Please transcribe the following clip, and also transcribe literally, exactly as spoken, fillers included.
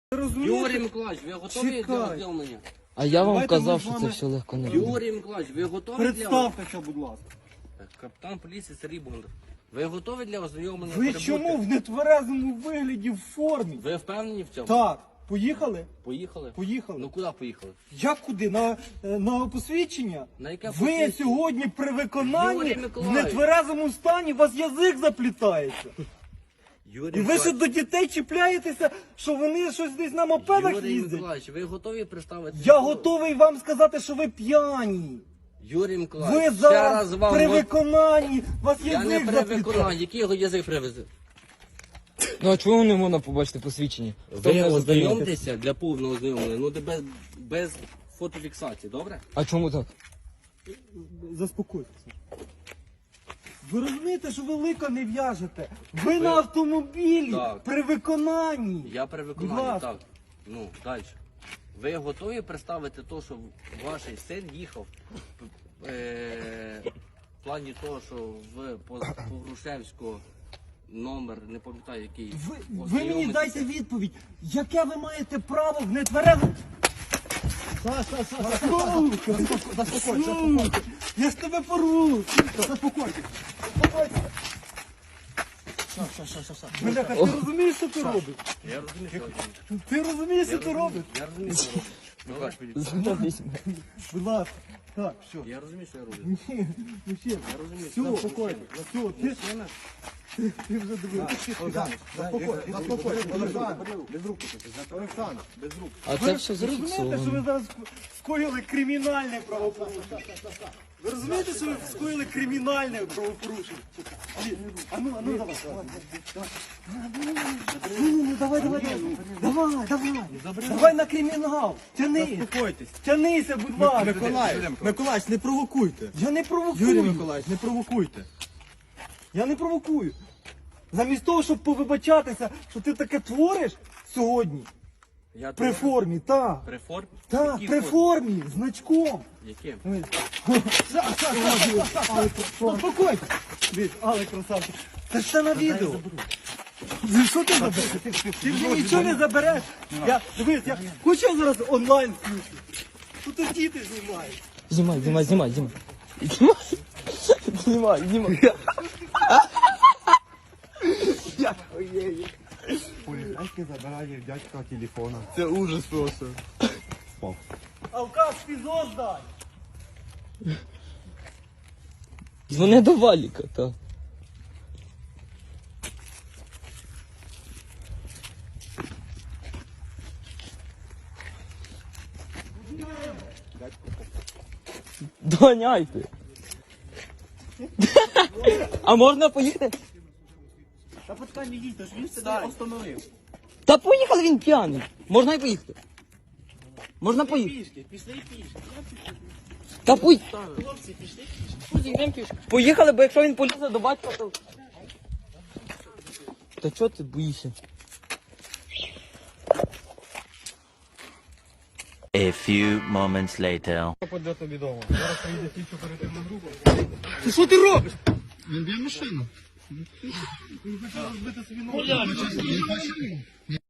Юрій Миколаївич, ви готові для ознайомлення? А я вам Давайте казав, ми з що це вами- все легко не буде. Юрій Миколаївич, ви готові для Представтеся, будь ласка. Капітан поліції Сергій Бондар. Ви готові для ознайомлення? Ви прибути? чому в нетверезому вигляді в формі? Ви впевнені в цьому? Так, поїхали? Поїхали? Поїхали. Ну куди поїхали? Як куди? На, е, на посвідчення? На яке Ви посвідчення? сьогодні при виконанні Юрій в Миколаївич. нетверезому стані, у вас язик заплітається. Юрій І ви ще до дітей чіпляєтеся, що вони щось десь на мопедах Юрій їздять. Миколаївич, ви готові представити? Я готовий вам сказати, що ви п'яні. Юрій Миколаївич, Ви ще зараз раз вам... при го- виконанні, у вас Я не язик при заплітає. виконанні. Який його язик привезе? Ну а чого не можна побачити посвідчення? Хто Ви мене зупинив? ознайомтеся для повного ознайомлення, ну де без, без фотофіксації, добре? А чому так? Заспокойтеся. Ви розумієте, що ви лика не в'яжете? Ви на автомобілі Так. при виконанні. Я при Будь виконанні, ласка. так. Ну, далі. Ви готові представити те, що ваш син їхав е, в плані того, що в Погрушевського номер, не пам'ятаю який. Ви, ви мені ознайомитися? дайте відповідь. Яке ви маєте право в нетверезому... Саша, Саша, заспокойся, заспокойся. Я ж тебе порву. Заспокойся. Заспокойся. Бляха, ти розумієш, що ти робиш? Я розумію, що робити. Ти розумієш, що ти робиш? Я розумію, що робити. Добре? Будь ласка. Так, все. Я розумію, що я роблю. Ні, ну ще. Я розумію, Все, що спокійно. Все, ти, Мужчина, ти вже дивився. Заспокойся, заспокойся, Олександр, без рук. Олександр, без рук. А це все Ви розумієте, що ви зафіксовано. зараз скоїли кримінальне правопорушення? Ви розумієте, що ви скоїли кримінальне правопорушення? А ну, а ну, давай. Ну, ну, ну, давай, давай, давай. Давай, давай. Давай на кримінал. Тяни. Заспокойтесь. Тянися, будь ласка. Миколаївич, Миколаївич, не провокуйте. Я не провокую. Юрій Миколаївич, не провокуйте. Я не провокую. Замість того, щоб повибачатися, що ти таке твориш сьогодні, я при тут- формі, так. При формі? Так, Якій при формі? формі, значком. Яким? Успокойся. Дивись, але красавчик. Це ж все на відео. Ну, що ти забереш? Ти мені нічого не забереш. Я, дивись, я хочу я зараз онлайн включу. Тут діти знімають. Знімай, знімай, знімай, знімай. Знімай, знімай. Поліцейський забирає дядька телефона. Це ужас просто. Алкаш, фізо здай. Дзвони до Валіка, так. Доганяйте. А можна поїхати? Та почекай, не їдь, ж він себе остановив. Та поїхали, він п'яний. Можна і поїхати. Можна поїхати. Пішки, пішли пішки. Та пуй. Хлопці, пішли пішки. Поїхали, бо якщо він полізе до батька, то... Та чого ти боїшся? A few moments later. Поде тобі дома. Зараз приїде тільки оперативна група. Ти що ти робиш? Він б'є машину. Він хоче розбити собі ногу.